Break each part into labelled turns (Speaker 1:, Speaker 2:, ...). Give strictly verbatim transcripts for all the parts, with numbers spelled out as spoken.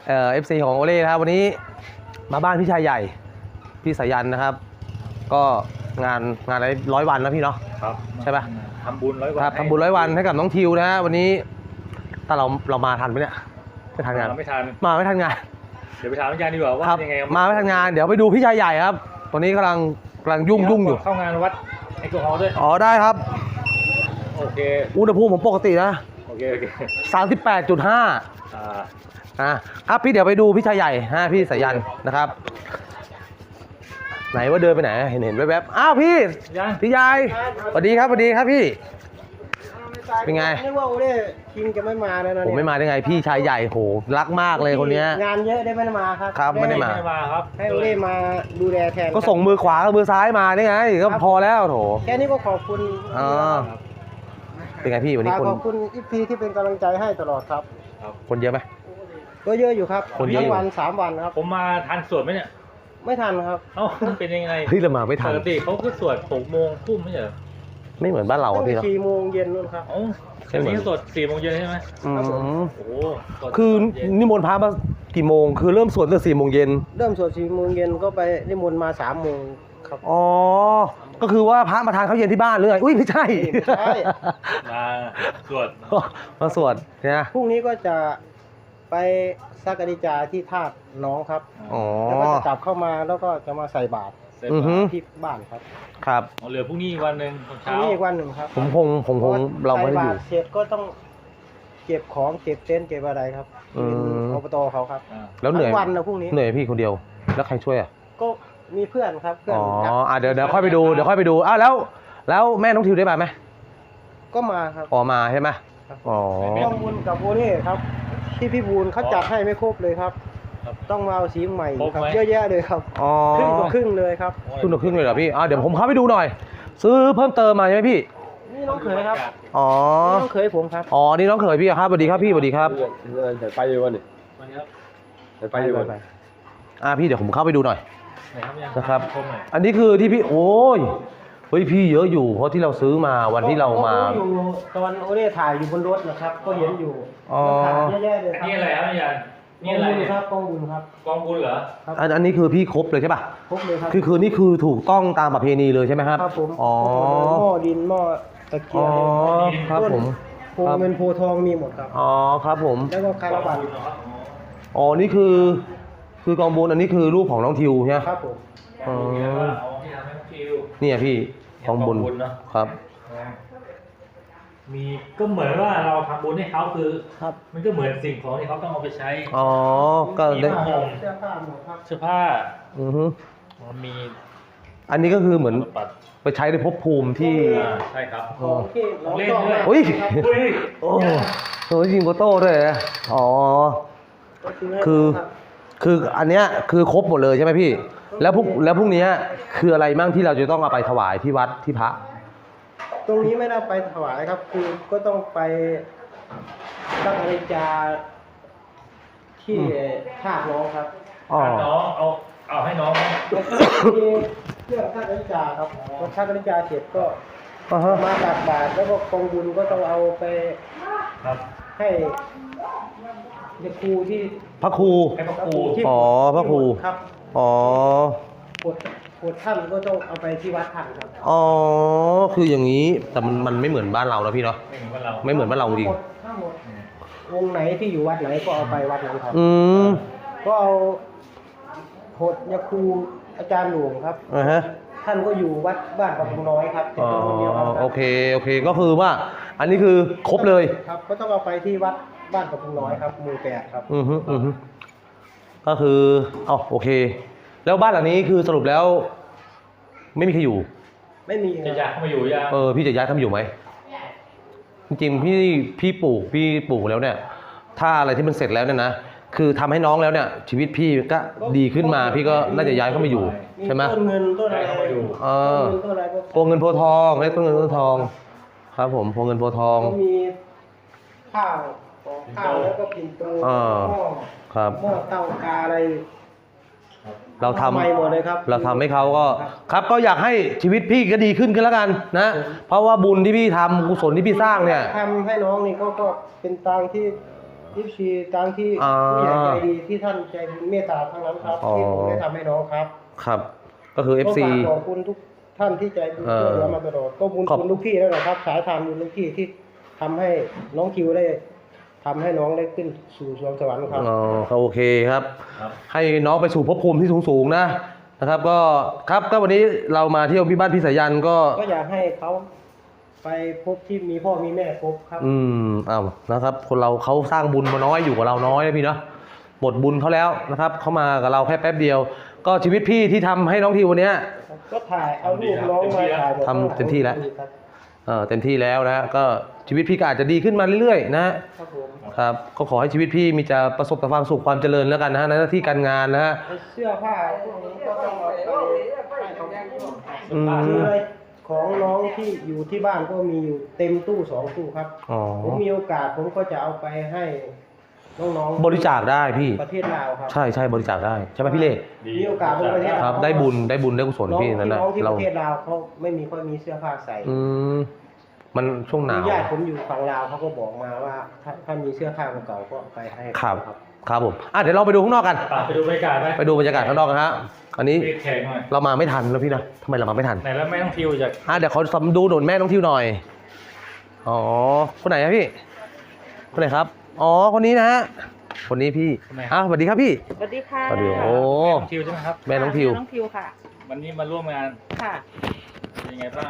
Speaker 1: เอ่อฟซีของโอเล่นะครับวันนี้มาบ้านพี่ชายใหญ่พี่สายันนะครับก็งานงานอะไรร้อยวันนะพี่เนาะ
Speaker 2: ครับ
Speaker 1: ใช่ป่ะ
Speaker 2: ทำบุญร้อยวัน
Speaker 1: ครับทำบุญร้อยวันให้กับน้องทิวนะฮะวันนี้ถ้าเราเรามาทันไหมเนี่ยไม่ทันงาน
Speaker 2: ไม่ทัน
Speaker 1: มาไม่ทันงาน
Speaker 2: เดี๋ยวไปถามอาจารย์ดีกว่าว่ายังไง
Speaker 1: มาไม่ทันงานเดี๋ยวไปดูพี่ชายใหญ่ครับตอนนี้กำลังกำลังยุ่งยุ่งอยู่
Speaker 2: เข้างานวัดแอลกอฮอล์ด้วย
Speaker 1: อ๋อได้ครับ
Speaker 2: โอเค
Speaker 1: อุณหภูมิผมปกตินะ
Speaker 2: โอเคโอเค
Speaker 1: สามสิบแปดจุดห้า
Speaker 2: อ่า
Speaker 1: นะครับพี่เดี๋ยวไปดูพี่ชายใหญ่ฮะพี่สายันนะครับไหนว่าเดินไปไหนเห็นเห็นแวบๆอ้าวพี่พี่ยายสวัสดีครับสวัสดีครับพี่เป็นไง
Speaker 3: นึกว่าโอเล่คิงจะไม่มาแล้วนะ
Speaker 1: ผมไม่มาได้ไงพี่ชายใหญ่โหรักมากเลยคนนี้
Speaker 3: งานเยอะได้ไม่ได้มาครับ
Speaker 1: ครับไม่ได้มา
Speaker 2: ครับ
Speaker 3: ให้โอเล่มาดูแลแทน
Speaker 1: ก็ส่งมือขวากับมือซ้ายมาได้ไงก็พอแล้วโถ
Speaker 3: แค่นี้ก็ขอบคุณ
Speaker 1: อ๋อเป็นไงพี่วันนี้คน
Speaker 3: ขอบคุณอีพีที่เป็นกำลังใจให้ตลอดครับ
Speaker 1: คนเยอะไหม
Speaker 3: ก็เยอะอยู่ครับ
Speaker 1: คนเยอะ
Speaker 3: ทั้งวันสามวันครับ
Speaker 2: ผมมาทันสวดไหมเนี่ย
Speaker 3: ไม่ทันครับ
Speaker 2: เอ้าเป็นยังไง
Speaker 1: เฮ้ยเรามาไม่ทัน
Speaker 2: ปกติเขาก็สวดหกโมงทุ่มไม่ใช่เหรอ
Speaker 1: ไม่เหมือนบ้านเราอะพี่เนาะ
Speaker 3: สี่โมงเย็นนู่นครับ
Speaker 2: อ๋ออันนี้สวดสี่โมงเย็นใช่ไหม
Speaker 1: อืม
Speaker 2: โอ้
Speaker 1: คือนิมนต์พระมากี่โมงคือเริ่มสวดตั้งสี่โมงเย็น
Speaker 3: เริ่มสวดสี่โมงเย็นก็ไปนิมนต์มาสามโมงครับ
Speaker 1: อ๋อก็คือว่าพระมาทานข้าวเย็นที่บ้านหรือไงอุ้ยไม่ใช่
Speaker 3: ไม่ใช่
Speaker 2: มาสวด
Speaker 1: มาสวดเนี่ย
Speaker 3: พรุ่งนี้ก็จะไปสักการิจาที่ธาตุน้องครับ
Speaker 1: อ๋อ
Speaker 3: แล้วก็จะกลับเข้ามาแล้วก็จะมาใส่บาตรที่บ้านครับ
Speaker 1: ครับ
Speaker 2: เหลือพรุ่งนี้วันหนึ่ง
Speaker 3: พรุ่งนี้อีกวันหนึ่งครับ
Speaker 1: ผมคงผมคงเราไม่ได้อยู่
Speaker 3: เสร็จก็ต้องเก็บของเก็บเต็นท์เก็บอะไรครับเป็นอบตเขาครับ
Speaker 1: แล้วเหนื่อย
Speaker 3: วันนะพรุ่งนี้
Speaker 1: เหนื่อยพี่คนเดียวแล้วใครช่วยอ่ะ
Speaker 3: ก็มีเพื่อนครับเพื่อน
Speaker 1: อ๋ออ่ะเดี๋ยวเดี๋ยวค่อยไปดูเดี๋ยวค่อยไปดูอ้าวแล้วแล้วแม่น้องทิวได้มาไหม
Speaker 3: ก็มาครับ
Speaker 1: อ๋อมาใช่ไหมอ๋อ
Speaker 3: ข้อมูลกับโอเล่ครับที่พี่บูลเขาจัดให้ไม่ครบเลยครับต้องมาเอาสีใหม่ครับเยอะแยะเลยครับครึ่งต่อครึ่งเลยครับ
Speaker 1: ครึ่งต่อครึ่งเลยเหรอพี่อ่ะเดี๋ยวผมเข้าไปดูหน่อยซื้อเพิ่มเติมมาใช่ไหมพี่
Speaker 3: นี่น้องเขยครับ
Speaker 1: อ๋อ
Speaker 3: น้องเขยผมครับ
Speaker 1: อ๋อนี่น้องเขยพี่ครับสวัสดีครับพี่สวัสดีครับ
Speaker 4: เดี๋ยวไปอยู่วันนี้เดี๋ยวไปอยู่วัน
Speaker 1: อ่ะพี่เดี๋ยวผมเข้าไปดูหน่อยนะครับอันนี้คือที่พี่โอ้ยเฮ้ยพี่เยอะอยู่เพราะที่เราซื้อมาวันที่เรามา
Speaker 3: อยู่ตอนโอเล่ถ่ายอยู่บนรถนะครับก็เห็นอยู่
Speaker 1: อ๋อ
Speaker 3: เยอะแยะเลยครับ
Speaker 2: นี่อะไรครับอาจารย์นี่อะไร
Speaker 3: ครับกองบุญครับ
Speaker 2: กองบุญเหรอ
Speaker 1: อันอันนี้คือพี่ครบเลยใช่ป่ะ
Speaker 3: ครบเลยครับ
Speaker 1: คือคือนี่คือถูกต้องตามประเพณีเลยใช่ไหมครับ
Speaker 3: ครับผม
Speaker 1: อ๋อ
Speaker 3: หม้อดินหม้อตะเกียบ
Speaker 1: อ๋อครับผม
Speaker 3: โพเงินโพทองมีหมดครับ
Speaker 1: อ๋อครับผม
Speaker 3: แล้วก็คาราบัต
Speaker 1: อ๋อนี่คือคือกองบุญอันนี้คือรูปของน้องทิวใช่ไหม
Speaker 3: ครับผม
Speaker 1: อ๋อนี่อ่ะพี่กองบุญครับ
Speaker 2: มีก็เหมือนว่าเราทำบุญให้เขาคือครับมันก็เหมือนสิ่งของที่เขาต้องเอาไปใช้
Speaker 1: อ๋อก็
Speaker 2: ได้เ
Speaker 3: สื้อผ้าหมดครับ
Speaker 2: เสื้อผ้า
Speaker 1: อือฮึ
Speaker 2: มี
Speaker 1: อันนี้ก็คือเหมือนไปใช้ในภพภูมิที่
Speaker 2: ใช่ครับ
Speaker 3: เล่น
Speaker 1: ด้วยอุ้ยโอ้โหยิงโกโต้ด้วยอ๋อคือคืออันเนี้ยคือครบหมดเลยใช่ไหมพี่แล้วพวกแล้วพวกนี้คืออะไรมั่งที่เราจะต้องเอาไปถวายที่วัดที่พระ
Speaker 3: ตรงนี้ไม่ได้ไปถวายครับคือก็ต้องไปสักการิจาที่ธาตุน้องครับ
Speaker 2: อ๋อน้องเอาเอาให้น้อง
Speaker 3: มีเครื่องสักการิจาครับพอสักการิจาเสร็จก็มาตักบาตรแล้วก็กองบุญก็ต้องเอาไปให้พระครูที่
Speaker 1: พระครู
Speaker 2: ให้พระครู
Speaker 1: อ๋อพระครู
Speaker 3: ครับ
Speaker 1: อ๋อ
Speaker 3: ปวดปวดท่านก็ต้องเอาไปที่วัดท่านครับ
Speaker 1: อ๋อคืออย่างนี้แต่มันมันไม่เหมือนบ้านเราแล้วพี่เนาะไม่เหมือนบ้านเราจริง
Speaker 3: ทั้งหมดวงไหนที่อยู่วัดไหนก็เอาไปวัดนั้นครับ
Speaker 1: อืม
Speaker 3: ก็เอาโหดยาครูอาจารย์หลวงครับ
Speaker 1: อ่าฮะ
Speaker 3: ท่านก็อยู่วัดบ้านปทุมน้อยครับ
Speaker 1: อ๋อโอเคโอเคก็คือว่าอันนี้คือครบเลย
Speaker 3: ครับก็ต้องเอาไปที่วัดบ้านปทุมน้อยครับหมู่แปดครับ
Speaker 1: อือฮึอือฮึก็คืออ๋อโอเคแล้วบ้านหลังนี้คือสรุปแล้วไม่มีใครอยู่
Speaker 3: ไม่มี
Speaker 2: จะย้ายเข้ามาอยู่ยัง
Speaker 1: เออพี่จะย้ายเข้ามาอยู่ไหมจริงๆพี่พี่ปลูกพี่ปลูกแล้วเนี่ยถ้าอะไรที่มันเสร็จแล้วเนี่ยนะคือทำให้น้องแล้วเนี่ยชีวิตพี่ก็ดีขึ้นมาพี่ก็น่าจะย้ายเข้ามาอยู่ใช่ไหม
Speaker 3: ต้นเงินต้นอะไรเข้ามาอยู่
Speaker 1: เออโพเงินโพทองเรียกต้นเงินต้นทองครับผมโพเงินโพทอง
Speaker 3: ก็มีข้าวข้าวแล้วก็ปิ่นโตหม้อ
Speaker 1: ครับ
Speaker 3: หม้อเตากาอะไร
Speaker 1: เราทำ
Speaker 3: หมดเลยครับ
Speaker 1: เราทำให้เขาก็ครับก็อยากให้ชีวิตพี่ก็ดีขึ้นกันแล้วกันนะเพราะว่าบุญที่พี่ทำกุศลที่พี่สร้างเนี่ย
Speaker 3: ทำให้น้องนี่ก็ก็เป็นตังที่เอฟซีตามที่
Speaker 1: อ่า
Speaker 3: ผู้ใหญ่ใจดีที่ท่านใจบุญเมตตาทั้งนั้นครับ
Speaker 1: อ๋อ
Speaker 3: ที่ผมได้ทำให้น้องครับ
Speaker 1: ครับ ก็คือ เอฟ ซี
Speaker 3: ก็ฝากขอบคุณทุกท่านที่ใจบุญ
Speaker 1: เออ
Speaker 3: ช่วยเหลือมาตลอดก็บุญ
Speaker 1: ขอบ
Speaker 3: คุณลูกพี่แล้วนะครับ สายทานบุญลูกพี่ที่ทำให้น้องคิวได้ทำให้น้องได้ขึ้นสู่สวงสวรรค์ครับ
Speaker 1: อ๋อก็โอเคครับ
Speaker 2: ครับ
Speaker 1: ให้น้องไปสู่ภพภูมิที่สูงๆนะนะครับ ก็ครับก็วันนี้เรามาเที่ยวที่บ้านพี่สายันก็
Speaker 3: ก็อยากให้เขาไปพบที่มีพ่อมีแม่ครบครับ
Speaker 1: อืมอ้าวนะครับ คนเราเขาสร้างบุญมาน้อยอยู่กับเราน้อยนะพี่เนาะหมดบุญเขาแล้วนะครับเขามากับเราแค่แป๊บเดียว ก็ชีวิตพี่ที่ทำให้น้องทีวันเนี้ย
Speaker 3: ก็ถ่ายเอารูปน้องมาถ่าย
Speaker 1: ทำเต็มที่แล้ว
Speaker 3: ครับ
Speaker 1: เอ่อเต็มที่แล้วนะก็ชีวิตพี่ก็อาจจะดีขึ้นมาเรื่อยๆนะครับ
Speaker 3: ผม
Speaker 1: ครับก็ขอให้ชีวิตพี่มีจะประสบแต่ความสุขความเจริญแล้วกันนะฮะในหน้าที่การงานนะฮะ
Speaker 3: เสื้อผ้าพวกนี้ก็ต้องเอาไปให้เขา
Speaker 1: อืม
Speaker 3: คือของน้องที่อยู่ที่บ้านก็มีอยู่เต็มตู้สองตู้ครับ
Speaker 1: อ๋อ
Speaker 3: ผมมีโอกาสผมก็จะเอาไปให้น้องๆ
Speaker 1: บริจาคได้พี่
Speaker 3: ประเทศลาวครับ
Speaker 1: ใช่ใช่บริจาคได้ใช่ไหมพี่เล่
Speaker 3: มีโอกาสไปประเทศลาว
Speaker 1: ครับได้บุญได้บุญได้กุศล
Speaker 3: น้อง
Speaker 1: พี่
Speaker 3: ที่
Speaker 1: นั่นนะ
Speaker 3: น้องที่ป
Speaker 1: เรา
Speaker 3: ระเทศลาวเขาไม่มีค่อยมีเสื้อผ้าใส่
Speaker 1: อืมมันช่วงหนาว
Speaker 3: ญาติผมอยู่ฝั่งลาวเขาก็บอกมาว่าถ้าถ้ามีเสื้อผ้าเก่าๆก็ไปให้
Speaker 1: ครับครับผมอ่ะเดี๋ยวเราไปดูข้างนอกกัน
Speaker 2: ไปดูบรรยากาศไหม
Speaker 1: ไปดูบรรยากาศข้างนอกกันฮะอันนี้
Speaker 2: เรียกแขกหน่อย
Speaker 1: เรามาไม่ทันแล้วพี่นะทำไมเรามาไม่ทัน
Speaker 2: ไหนแล้วแม่ต้องทิวจาก
Speaker 1: อ่ะเดี๋ยวขอดูหนุนแม่น้องทิวหน่อยอ๋อคนไหนครับพี่คนไหนครับอ๋อคนนี้นะฮะคนนี้พี่อ่ะสวัสดีครับพี่
Speaker 5: สวัสดีค่ะ
Speaker 1: สวัสดีโอ้
Speaker 2: แม่ต้องทิวใช่ไหมครับ
Speaker 1: แม่น้องทิว
Speaker 5: แม่น้องทิวค่ะ
Speaker 2: วันนี้มาร่วมงาน
Speaker 5: ค่ะ
Speaker 2: เป็นยังไงบ้าง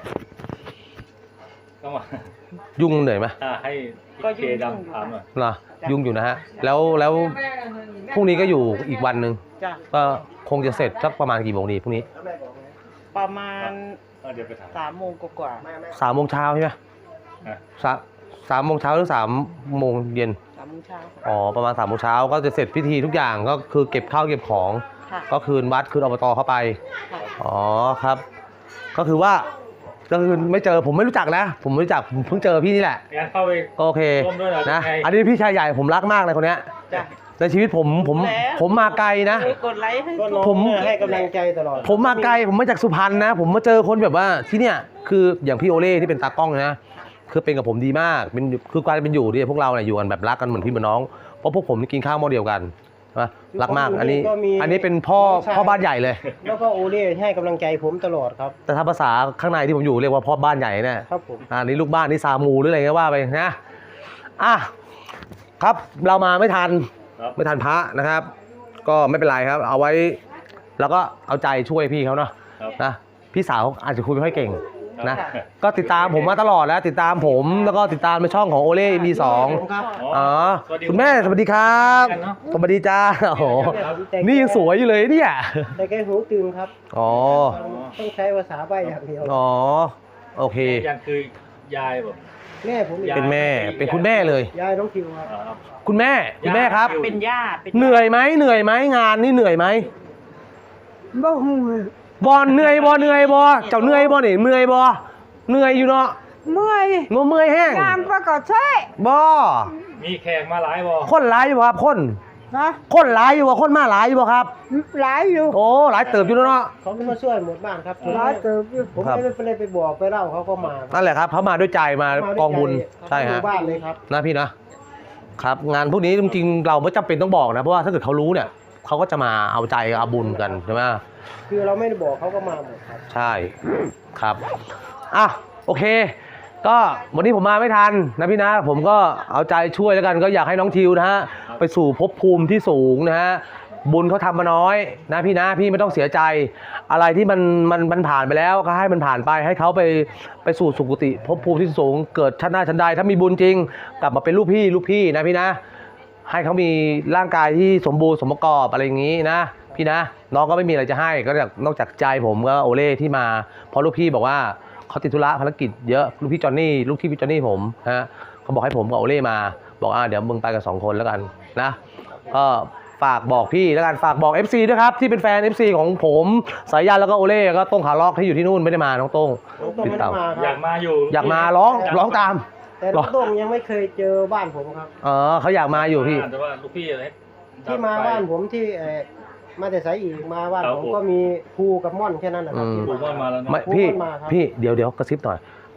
Speaker 2: ก็มา
Speaker 1: ยุ่งเหนื่อยไหม
Speaker 2: อ่าให้
Speaker 5: ก็
Speaker 2: เค
Speaker 5: ยุ่ง
Speaker 2: ดำถามหน่อย
Speaker 1: นะยุ่งอยู่นะฮะแล้วแล้วพรุ่งนี้ก็อยู่อีกวันหนึ่ง
Speaker 5: จ้ะ
Speaker 1: ก็คงจะเสร็จสักประมาณกี่โมงดีพรุ่งนี้
Speaker 5: ประมาณ
Speaker 2: เออเดี๋ยวไปถาม
Speaker 5: สามโมงกว่า
Speaker 1: สามโมงเช้าใช่ไหม
Speaker 2: อ่ะ
Speaker 1: สามสามโมงเช้าหรือสามโมงเย็น
Speaker 5: ๆสามโมงเช้าค่ะ
Speaker 1: อ๋อประมาณสามโมงเช้าก็จะเสร็จพิธีทุกอย่างก็คือเก็บข้าวเก็บของ
Speaker 5: ค่ะ
Speaker 1: ก็คืนวัดคืนอบตเข้าไป
Speaker 5: ค่ะ
Speaker 1: อ๋อครับ ก็คือว่าก็คือไม่เจอผมไม่รู้จักนะ ผมไม่รู้จักผมเพิ่งเจอพี่นี่แหละ
Speaker 2: งั้นเข้าไป
Speaker 1: ก็โอเค
Speaker 2: ร่วมด้วยเหรอ
Speaker 1: นะ
Speaker 2: ยังไง
Speaker 1: อันนี้พี่ชายใหญ่ผมรักมากเลยคนเนี้ย
Speaker 5: จ้ะ
Speaker 1: ในชีวิตผมผม
Speaker 5: แล้ว
Speaker 1: ผมมาไกลนะ
Speaker 5: เออกดไลค์ให้
Speaker 3: ก็น้อง
Speaker 1: ผม
Speaker 3: ให้กำลังใจตลอด
Speaker 1: ผมมาไกลผมมาจากสุพรรณนะ ผมมาเจอคนแบบว่าที่เนี่ยคืออย่างพี่โอเล่ที่เป็นตากล้องนะคือเป็นกับผมดีมากเป็นคือการเป็นอยู่ที่พวกเราเนี่ยอยู่กันแบบรักกันเหมือนพี่เหมือนน้องเพราะพวกผมนี่กินข้าวหม้อเดียวกันนะรักมากอันนี้ อันนี้เป็นพ่อพ่อบ้านใหญ่เลย
Speaker 3: แล้วก็โอเล่ให้กำลังใจผมตลอดครับ
Speaker 1: แต่ถ้าภาษาข้างในที่ผมอยู่เรียกว่าพ่อบ้านใหญ่เนี่ย
Speaker 3: ครับผม
Speaker 1: อันนี้ลูกบ้านนี่ซามูหรืออะไรก็ว่าไปนะอ่ะครับเรามาไม่ทัน
Speaker 2: ครับ
Speaker 1: ไม่ทันพระนะครับ ก็ไม่เป็นไรครับ เอาไว้แล้วก็เอาใจช่วยพี่เขาเนาะ
Speaker 2: ครับ
Speaker 1: นะพี่สาวอาจจะคุยไม่ค่อยเก่งนะ
Speaker 2: ครับ
Speaker 1: ก็ติดตามผมมาตลอดแล้วติดตามผมแล้วก็ติดตามในช่องของโอเล่มีสอง
Speaker 3: ผมครับ
Speaker 1: อ๋อ
Speaker 2: สวัสดี
Speaker 1: คุณแม่สวัสดีครับ
Speaker 2: กันเนอะ
Speaker 1: สวัสดีจ้าโอ้โห
Speaker 3: แต่
Speaker 1: นี่ยังสวยอยู่เลยเนี่ย
Speaker 3: แต่แกหูตึงครับ
Speaker 1: อ๋อ
Speaker 3: ต้องใช้ภาษาใบอย่างเดียว
Speaker 1: อ๋อโอเค
Speaker 2: ยังคือยายแบบ
Speaker 3: แม่ผมอีก
Speaker 2: ยาย
Speaker 1: เป็นแม่เป็นคุณแม่เลย
Speaker 3: ยายน้องคิวครับ
Speaker 2: อ่าครับ
Speaker 1: คุณแม่คุณแม่ครับ
Speaker 5: เป็นญาติเป็นญาติ
Speaker 1: เหนื่อยไหมเหนื่อยไหมงานนี่เหนื่อยไหม
Speaker 6: บ่ฮู้
Speaker 1: บอลเหนื่อยบอเหนื่อยบอเจ้าเหนื่อยบอนี่เหนื่อยบอเหนื่อยอยู่เนาะ
Speaker 6: เมื่อย
Speaker 1: งมเมื่อยแห้ง
Speaker 6: งานประกอบใช่
Speaker 1: บอ
Speaker 2: มีแขกมาหลายบอ
Speaker 1: คนหลายอยู่บ่ครับคน
Speaker 6: นะ
Speaker 1: คนหลายอยู่บ่คนมาหลายอยู่บ่ครับ
Speaker 6: หลายอยู่
Speaker 1: โอ้หลายเติบอยู่แล้วเนาะ
Speaker 3: เขาก็มาช่วยหมดบ้านครับ
Speaker 6: หลายเติบอยู่
Speaker 3: ผม
Speaker 1: ครับ
Speaker 3: ไม่ได้ไปเลยไปบอกไปเล่าเขาก็มา
Speaker 1: นั่นแหละครับเขามาด้วยใจมากองบุญใช่
Speaker 3: ฮะ
Speaker 1: ฮะ
Speaker 3: บ้านเลยครับ
Speaker 1: นะพี่นะครับงานพวกนี้จริงๆเราไม่จำเป็นต้องบอกนะเพราะว่าถ้าเกิดเขารู้เนี่ยเขาก็จะมาเอาใจเอาบุญกันใช่ไหม
Speaker 3: คือเราไม่ได้บอกเขาก็มาหมดครับ
Speaker 1: ใช่ครับอ่ะโอเค ก็วันนี้ผมมาไม่ทันนะพี่นะผมก็เอาใจช่วยแล้วกันก็อยากให้น้องทิวนะฮะไปสู่ภพภูมิที่สูงนะฮะบุญเขาทำมาน้อยนะพี่นะพี่ไม่ต้องเสียใจ อะไรที่มันมันมันผ่านไปแล้วก็ให้มันผ่านไปให้เขาไปไปสู่สุคติภพภูมิที่สูงเกิดชาติหน้าชั้นใดถ้ามีบุญจริง กลับมาเป็นลูกพี่ลูกพี่นะพี่นะ ให้เขามีร่างกายที่สมบูรณ์สมประกอบอะไรอย่างนี้นะพี่นะน้องก็ไม่มีอะไรจะให้ก็นอกจากใจผมก็โอเล่ที่มาเพราะลูกพี่บอกว่าเขาติดธุระภารกิจเยอะลูกพี่จอนนี่ลูกพี่พี่จอนนี่ผมฮะเขาบอกให้ผมกับโอเล่มาบอกอ่าเดี๋ยวมึงไปกันสองคนแล้วกันนะก็ฝากบอกพี่แล้วกันฝากบอก เอฟ ซี ด้วยครับที่เป็นแฟน เอฟ ซี ของผมสายยันแล้วก็โอเล่ก็ต้งขาล็อกที่อยู่ที่นู่นไม่ได้มาน้องต้ง
Speaker 3: น้องโต้ง
Speaker 1: ติด
Speaker 3: ไม่
Speaker 1: ตา
Speaker 3: ได้
Speaker 1: ม
Speaker 3: มาค
Speaker 2: อยา
Speaker 3: รั
Speaker 2: ก
Speaker 3: บ
Speaker 2: มาอยู่
Speaker 1: อยากมาร้องร้องตาม
Speaker 3: แต่น้องโต้งยังไม่เคยเจอบ้านผมครับ
Speaker 1: เออเขาอยากมาอยู่พี่
Speaker 2: แต่ว่าลูกพี่อะไร
Speaker 3: ที่มาบ้านผมที่เอ่อมาแต่สายอีกมาบ้านผมก็มีครูกับม่อนแค่นั้นนะครับที่
Speaker 2: ผมว่ามาแล้ว
Speaker 1: ไม่
Speaker 2: เนาะ
Speaker 1: พี่
Speaker 3: ผมก็มาครับ
Speaker 1: พี่เดี๋ยวเดี๋ยวกระซิบหน่อย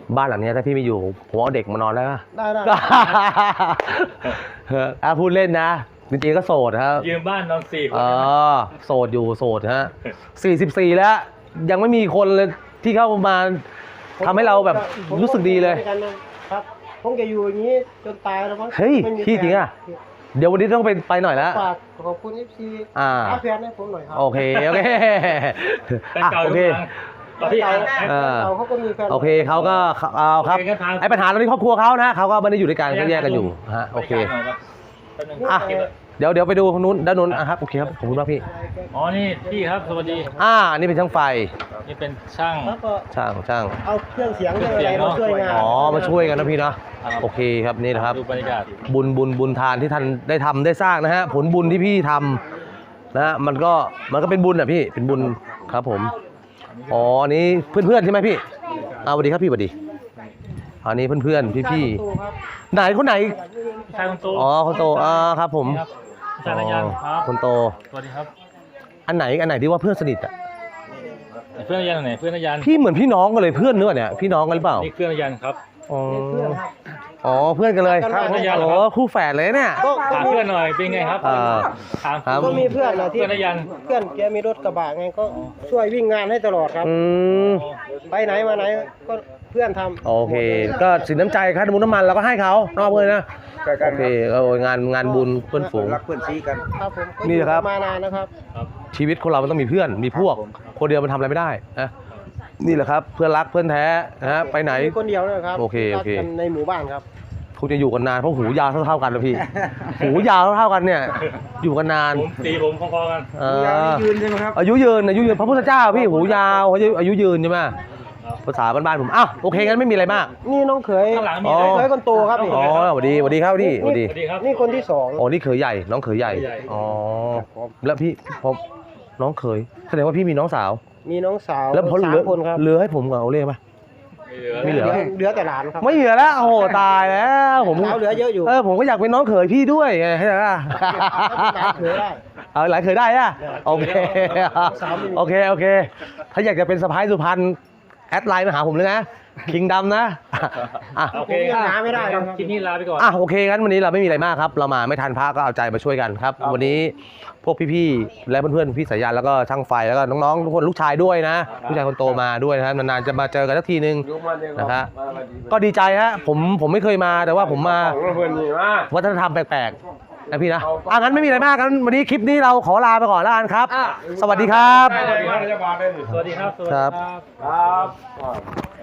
Speaker 1: บ้านหลังเนี้ยถ้าพี่ไม่อยู่ผมเอาเด็กมานอนได้ปะ
Speaker 3: ได้ได้
Speaker 1: เอออ่ะพูดเล่นนะจริงๆก็โสดครับ
Speaker 2: ยืมบ้านนอนสี่คน
Speaker 1: อ๋อโสดอยู่โสดฮะสี่สิบสี่แล้ว ยังไม่มีคนเลยที่เข้ามาทำให้เราแบบรู้สึกดีเลย
Speaker 3: ครับผมจะอยู่อย่างนี้จนตายแล้วมั้ง
Speaker 1: เฮ้ย
Speaker 3: ไม่มี
Speaker 1: พี่จริงอะ เดี๋ยววันนี้ต้องไปไปหน่อยแล้ว
Speaker 3: ฝากขอบคุณเอฟซี
Speaker 1: อ่า
Speaker 3: อาแฟนให้ผมหน่อยครั
Speaker 1: โอเคโอเค
Speaker 2: เป็น
Speaker 1: อ่ะ
Speaker 2: เก่า
Speaker 1: โอ
Speaker 2: ทุก
Speaker 1: เค
Speaker 2: ครั้งตอนที่
Speaker 3: เก่า
Speaker 2: เอา
Speaker 1: เออ
Speaker 3: เก่าเขาก็มีแฟน
Speaker 1: โอเคเขาก็เอาครับ
Speaker 2: โอเคงั้นทาง
Speaker 1: ไอ้ปัญหาตอนนี้ครอบครัวเขานะเขาก็ไม่ได้อยู่ด้วยกันก็แยกกันอยู่ฮะโอเค
Speaker 2: แป๊บนึง
Speaker 1: อ่ะ เดี๋ยวเดี๋ยวไปดูทางนู้นด้านนู้นอ่ะครับโอเคครับขอบคุณมากพี่
Speaker 2: อ๋อนี่พี่ครับสวัสดี
Speaker 1: อ่าอันนี้เป็นช่างไฟ
Speaker 2: นี่เป็นช่าง
Speaker 3: แล้วก็
Speaker 1: ช่างช่าง
Speaker 3: เอาเครื่องเสียงเครื่องอะไรมาช่วยงาน
Speaker 1: อ๋อมาช่วยกันนะพี่เนาะ
Speaker 2: ครับ
Speaker 1: โอเคครับนี่นะครับ
Speaker 2: ดูบรรยากาศ
Speaker 1: บุญบุญบุญทานที่ท่านได้ทำได้สร้างนะฮะผลบุญที่พี่ทำนะฮะมันก็มันก็เป็นบุญอ่ะพี่เป็นบุญครับผมอ๋ออันนี้เพื่อนๆใช่ไหมพี่อ่าสวัสดีครับพี่สวัสดีอันนี้เพื่อนๆพี่ๆไหนคนไหน
Speaker 2: ชายคนโต
Speaker 1: อ๋อคนโตอ่าครับผม
Speaker 2: นี่ครับชายนยันครับ
Speaker 1: คนโต
Speaker 2: สวัสดีครับ
Speaker 1: อันไหนอันไหนที่ว่าเพื่อนสนิทอ่ะ
Speaker 2: เพื่อนนยันไหนเพื่อนนยัน
Speaker 1: พี่เหมือนพี่น้องกันเลยเพื่อนเนื้อเนี่ยพี่น้องกันหรือเปล่า
Speaker 2: นี่เพื่อนนยันครับ
Speaker 1: อ๋ออ๋อเพื่อนกันเลย
Speaker 2: ครับเพื่อนกันเหรอ
Speaker 1: โอ้
Speaker 2: ครับ
Speaker 1: คู่แฝดเลยเนี่ย
Speaker 3: ก็
Speaker 2: ถามเพื่อนหน่อยเป็นไงครับ
Speaker 1: อ่า
Speaker 2: ถาม
Speaker 1: ครับ
Speaker 3: ก็มีเพื่อนนะที่
Speaker 2: เพื่อนนยัน
Speaker 3: เพื่อนแกมีรถกระบะไงก็ช่วยวิ่งงานให้ตลอดครับ
Speaker 1: อืม
Speaker 3: ไปไหนมาไหนก็เพื่อนทำ
Speaker 1: โอเค ก็สินน้ำใจค่าน้ำมันน้ำมันเราก็ให้เขานอกเลยนะ
Speaker 4: ใกล้กัน
Speaker 1: โอเคเอางานงานบุญเพื่อนฝูง
Speaker 4: รักเพื่อนซีกัน
Speaker 3: ครับผมก็
Speaker 1: นี่นะครับ
Speaker 3: อยู่มานานนะครับ
Speaker 1: ชีวิตคนเรามันต้องมีเพื่อนมีพวก คนเดียวมันทำอะไรไม่ได้นะนี่แหละครับเพื่อนรักเพื่อนแท้นะฮะไปไหน
Speaker 3: มีคนเดียวนะครับ
Speaker 1: โอเคโอเค
Speaker 3: รักกันในหมู่บ้านครับ
Speaker 1: คงจะอยู่กันนานเพราะหูยาวเท่าๆกันนะพี่ หูยาวเท่าๆกันเนี่ย อยู่กันนาน
Speaker 2: ผมตีผมพอๆกัน
Speaker 1: เออ
Speaker 4: ยืนใช่ไหมครับ
Speaker 1: อายุยืนอายุยืนพระพุทธเจ้าพี่หูยาวอายุอายุยืนใช่ไหมภาษาบ้านๆผมอ้าวโอเคงั้นไม่มีอะไรมาก
Speaker 3: นี่น้องเขย
Speaker 2: ข้างหลังมี
Speaker 1: อ๋อ
Speaker 2: อะไร
Speaker 3: เขยคนโตครับนี่
Speaker 1: อ๋อสวัสดีสวัสดีครับพี่สวัสดี
Speaker 2: สวัสดีครับ
Speaker 3: นี่คนที่สอง
Speaker 1: อ๋อนี่เขยใหญ่น้องเขยใหญ่
Speaker 2: ใหญ่
Speaker 1: อ๋อแล้วพี่ผมน้องเขยแสดงว่าพี่มีน้องสาว
Speaker 3: มีน้องสาว
Speaker 1: แล้วพอเห
Speaker 3: สา
Speaker 1: ลื
Speaker 3: ม
Speaker 1: อ
Speaker 3: คนครับ
Speaker 1: เหลือให้ผมกับเอาเล่ไหม ไม่เหลือ
Speaker 3: เหลือแต่หลานครับ
Speaker 1: ไม่เหลือแล้วโอ้โหตายแล้วผม
Speaker 3: สาวเหลือเยอะอยู่
Speaker 1: เออผมก็อยากเป็นน้องเขยพี่ด้วยไงใช่ไหม
Speaker 3: หลานเขยได้
Speaker 1: เอาหลายเขยได้อะโอเค
Speaker 3: สาวไม่มี
Speaker 1: โอเคโอเค ถ้าอยากจะเป็นสะพ้ายสุพรรณแอดไลน์มาหาผมเลยนะคิงดำนะอ่ะ
Speaker 2: โอเค
Speaker 3: ผมยังหาไม่ได้ครับ
Speaker 2: คลิปนี้ลาไปก่อน
Speaker 1: อ่ะโอเคงั้นวันนี้เราไม่มีอะไรมากครับ เรามาไม่ทันพระก็เอาใจมาช่วยกันครับ วันนี้พวกพี่ๆและเพื่อนๆพี่สายันแล้วก็ช่างไฟแล้วก็น้องๆทุกคนลูกชายด้วยนะลูกชายคนโตมาด้วยนะครับนานๆจะมาเจอกันสักทีนึง
Speaker 4: ยุคมันเอง
Speaker 1: นะครับก็ดีใจฮะผมผมไม่เคยมาแต่ว่าผมมา
Speaker 4: ของเพื่อนนี่มา
Speaker 1: วัฒนธรรมแปลกๆนะพี่นะอ่ะงั้นไม่มีอะไรมากงั้นวันนี้คลิปนี้เราขอลาไปก่อนแล้วกันครับ สวัสดีครับ
Speaker 4: ได้เลยครับรัฐบาลได้เลย
Speaker 2: สวัสดีครับ สวัสดี
Speaker 1: ครับ
Speaker 2: ครับ
Speaker 4: ครับ